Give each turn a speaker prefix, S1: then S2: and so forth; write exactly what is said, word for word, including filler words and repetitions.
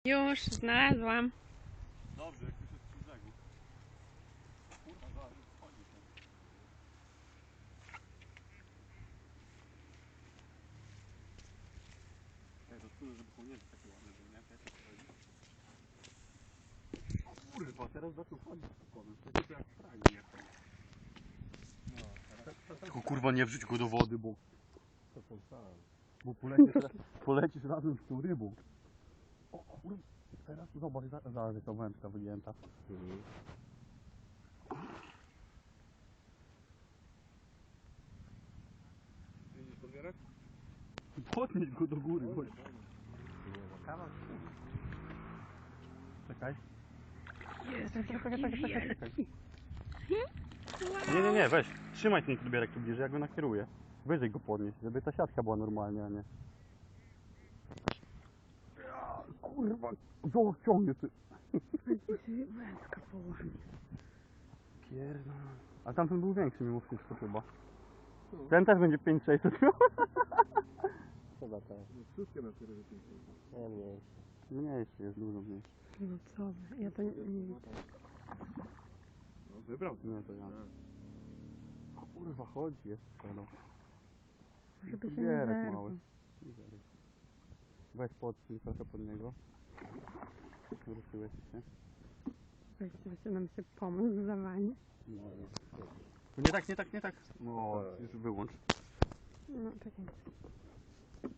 S1: Już znalazłam.
S2: Dobrze, jak już jest przy brzegu. Kurwa, zaraz wchodzi tam. Ej, to czuję, żeby kołnierze takie ładne były, nie? Jak to wchodzi? O kurwa, teraz zaczął wchodzić spokojnie. To jest jak fragi jechał. Tylko kurwa nie wrzuć go do wody, bo... To powstałem. Bo polecisz, polecisz razem z tą rybą. O kurwa, teraz zobacz, za- zaraz jaka wędka wygięta. Mhm. Widzisz podbierać? Podnieś go do góry, chodź. Czekaj.
S1: Jest,
S2: Czekaj, czekaj, czekaj, czekaj, czekaj.
S1: Wow.
S2: Nie, nie, nie, weź. Trzymaj ten podbierak tu bliżej, jak go nakieruję. Wyżej go podnieść, żeby ta siatka była normalnie, a nie... Ja, kurwa, co ciągnie ty?
S1: Wędka położę.
S2: Pierdolę. A tamten był większy mimo wszystko chyba. Ten też będzie pięć sześćset. Chyba tak. Wszystkie na tyle pięć sześćset. Nie, mniejszy. Mniejszy jest, dużo mniejszy.
S1: No co wy, ja to nie, nie widzę.
S2: No wybrał. Nie, to ja. Kurwa, chodzi jest no.
S1: Żeby się nie
S2: Podbierak
S1: zerwał.
S2: mały. Weź podsuń trochę pod niego. Ruszyłeś się.
S1: Właściwie nam się pomysł zawali.
S2: No, nie tak, nie tak, nie tak. No, już wyłącz.
S1: No czekaj.